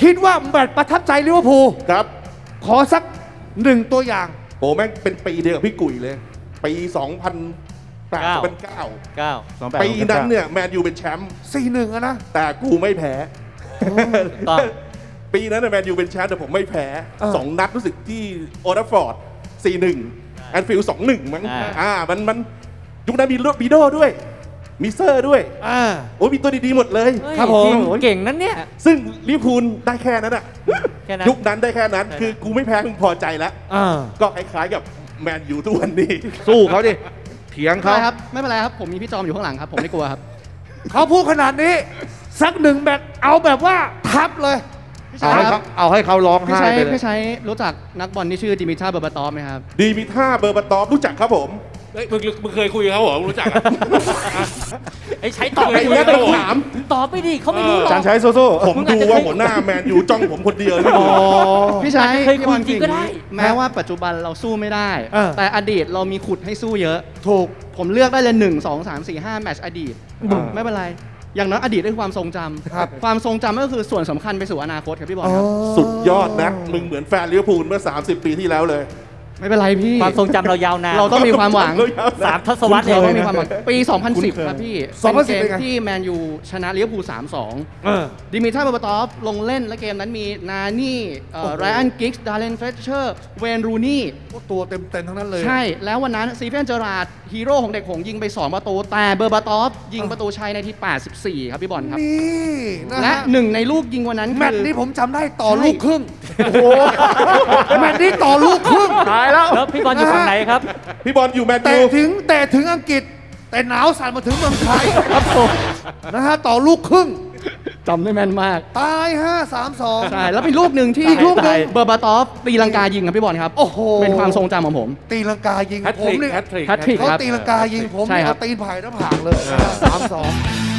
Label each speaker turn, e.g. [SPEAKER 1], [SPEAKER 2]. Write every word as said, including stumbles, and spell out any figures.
[SPEAKER 1] คิดว่าแมตช์ประทับใจลิเวอร์พูล
[SPEAKER 2] ครับ
[SPEAKER 1] ขอสักหนึ่งตัวอย่าง
[SPEAKER 2] โอ้แม่งเป็นปีเดียวกับพี่กุ๋ยเลย ปี สองพันแปด
[SPEAKER 3] เก้า
[SPEAKER 2] เป็นเก้า
[SPEAKER 3] เก้า
[SPEAKER 2] ปีนั้นเนี่ยแมนยูเป็นแชมป์
[SPEAKER 1] สี่หนึ่งอะนะ
[SPEAKER 2] แต่กูไม่แพ้
[SPEAKER 3] ต้อง
[SPEAKER 2] ปีนั้นแมนยูเป็นแชมป์แต่ผมไม่แพ้
[SPEAKER 1] เออ
[SPEAKER 2] สองนัดรู้สึกที่โอลด์แทัฟฟอร์ด สี่หนึ่ง แอนฟิลด์ สองหนึ่ง มั้ง
[SPEAKER 3] อ่า
[SPEAKER 2] อ่ามันมันยุคนั้นมีโรบิโดด้วย มีเซอร์ด้วย
[SPEAKER 1] อ่า
[SPEAKER 2] โอ้ยมีตัวดีๆหมดเลย
[SPEAKER 3] เฮ้ย
[SPEAKER 1] ครับผม
[SPEAKER 3] จงเก่งนั้นเนี่ย
[SPEAKER 2] ซึ่งลิเวอร์พูลได้แค่นั้นอะ
[SPEAKER 3] แค่นั้น
[SPEAKER 2] ยุคนั้นได้แค่นั้น
[SPEAKER 3] ใช่
[SPEAKER 2] คือกูไม่แพ้มึงพอใจแล้ว
[SPEAKER 1] อ่า
[SPEAKER 2] ก็คล้ายๆกับแมนยูทุกวันนี้
[SPEAKER 4] สู้เขาดิ เถียง
[SPEAKER 5] ไม่
[SPEAKER 4] เขา
[SPEAKER 5] เป็นไรครับไม่เป็นไรครับผมมีพี่จอมอยู่ข้างหลังครับผมไม่กลัวครับ
[SPEAKER 1] เขาพูดขนาดนี้ สักหนึ่งแมตช์เอาแบบว่าทับเลย
[SPEAKER 4] เอาให้เขาเอาให้เขาร้อง
[SPEAKER 5] พี่
[SPEAKER 4] ไห้
[SPEAKER 5] ใช้
[SPEAKER 4] ไปเลย
[SPEAKER 5] พี่ใช้รู้จักนักบอลที่ชื่อดิมิทราเบอร์บาตอฟไหมครับ
[SPEAKER 2] ดีมีท่าเบอร์บาตอฟรู้จักครับผม
[SPEAKER 6] เฮ้ยมึงมึงเคยคุยกับเขาเหรอมึงรู้จักอะ
[SPEAKER 3] ไอ้ใช้ตอบ
[SPEAKER 6] ไอ้
[SPEAKER 3] ไป
[SPEAKER 6] เนี้
[SPEAKER 3] ดิ
[SPEAKER 6] ยต้องถาม
[SPEAKER 3] ตอบไปดิเขาไม่รู้หรอก
[SPEAKER 4] จานใช้สู้
[SPEAKER 2] ผม
[SPEAKER 3] มึงอาจ
[SPEAKER 2] ดู
[SPEAKER 3] จะ
[SPEAKER 2] ว่า
[SPEAKER 3] เคย
[SPEAKER 2] หัวหน้าแมนยูจ้องผมคนเดียวนี่
[SPEAKER 1] อ๋อ
[SPEAKER 5] พี่ใช้
[SPEAKER 3] เคยคุย
[SPEAKER 5] พี่บอล
[SPEAKER 3] จริงก็ได้
[SPEAKER 5] แม้ว่าปัจจุบันเราสู้ไม่ได้
[SPEAKER 1] เออ
[SPEAKER 5] แต่อดีตเรามีขุดให้สู้เยอะ
[SPEAKER 1] ถูก
[SPEAKER 5] ผมเลือกได้เลยหนึ่งสองสามสี่ห้าแมตช์อดีต ไม่เป็นไร อย่างน้อยอดีตได้ความทรงจำ
[SPEAKER 1] ครับ
[SPEAKER 5] ความทรงจำก็คือส่วนสำคัญไปสู่อนาคตครับพี่บอลครับ
[SPEAKER 2] สุดยอดนะ มึงเหมือนแฟนลิเวอร์พูลเมื่อ สามสิบ ปีที่แล้วเลย
[SPEAKER 5] ไม่เป็นไรพี่
[SPEAKER 3] ความทรงจำเรายาวนาน
[SPEAKER 5] เราต้องมีความหวัง
[SPEAKER 3] สามทศวรรษ
[SPEAKER 5] เรา
[SPEAKER 3] เล
[SPEAKER 5] ต้อง
[SPEAKER 3] ย
[SPEAKER 5] มีความหวังปี สองพันสิบ ครับพี่
[SPEAKER 1] สองพันสิบ
[SPEAKER 5] เป็น
[SPEAKER 1] เป็นไง
[SPEAKER 5] เกมที่แมนยูชนะลิเวอร์พูล สามสอง
[SPEAKER 1] เออ
[SPEAKER 5] ดิมิทราเบอร์บาตอฟลงเล่นและเกมนั้นมีนานี่ไรอันกิกส์ดาร์เลนเฟเชอร์เวนรูนี่
[SPEAKER 1] ตัวเต็มเต็มๆทั้งนั้นเลย
[SPEAKER 5] ใช่ แล้ววันนั้นซีเฟนเจอราร์ดฮีโร่ของเด็กหงส์ยิงไป สอง ประตู แต่เบอร์บาตอฟยิงประตูชัยในที่ แปดสิบสี่ ครับพี่บอลครับ
[SPEAKER 1] นี่นะ
[SPEAKER 5] และ
[SPEAKER 1] ฮะ
[SPEAKER 5] หนึ่งในลูกยิงวันนั้น
[SPEAKER 1] แมตช์
[SPEAKER 5] คือ
[SPEAKER 1] นี้ผมจำได้ต่อ
[SPEAKER 5] ใช่
[SPEAKER 1] ลูกครึ่งแมตช์นี้ต่อลูกครึ่ง
[SPEAKER 4] ๆตายแล้ว
[SPEAKER 3] แล้วพี่บอลอยู่ฝั่งไหนครับ
[SPEAKER 2] พี่บอลอยู่แมน
[SPEAKER 1] แต่
[SPEAKER 2] ยู
[SPEAKER 1] ถึงแต่ถึงอังกฤษ แต่หนาวสั่นมาถึงเมืองไทยครับผมนะฮะต่อลูกครึ่ง
[SPEAKER 5] จำได้แม่นมาก
[SPEAKER 1] ตายห้าสามสอง
[SPEAKER 5] ใช่ แล้วเป็นลูกหนึ่งที่
[SPEAKER 1] อีกลูกหนึ่ง
[SPEAKER 5] เบอร์บาตอฟตีลังกายิงครับพี่บอลครับ
[SPEAKER 1] โอ้โห
[SPEAKER 5] เป็นความทรงจำของผม
[SPEAKER 1] ตีลังกายิง
[SPEAKER 6] แฮต
[SPEAKER 1] ผ
[SPEAKER 6] ท
[SPEAKER 1] ม
[SPEAKER 6] ริก
[SPEAKER 1] เนี่ย
[SPEAKER 6] แฮตทริก
[SPEAKER 5] แฮตทริก
[SPEAKER 1] เขา
[SPEAKER 5] ครับ
[SPEAKER 1] ตีลังกายิงผม
[SPEAKER 5] ใช่
[SPEAKER 1] เนี่ย
[SPEAKER 5] ครั
[SPEAKER 1] เอา
[SPEAKER 5] บ
[SPEAKER 1] ตีนไผ่หน้าผากเลยสามสอง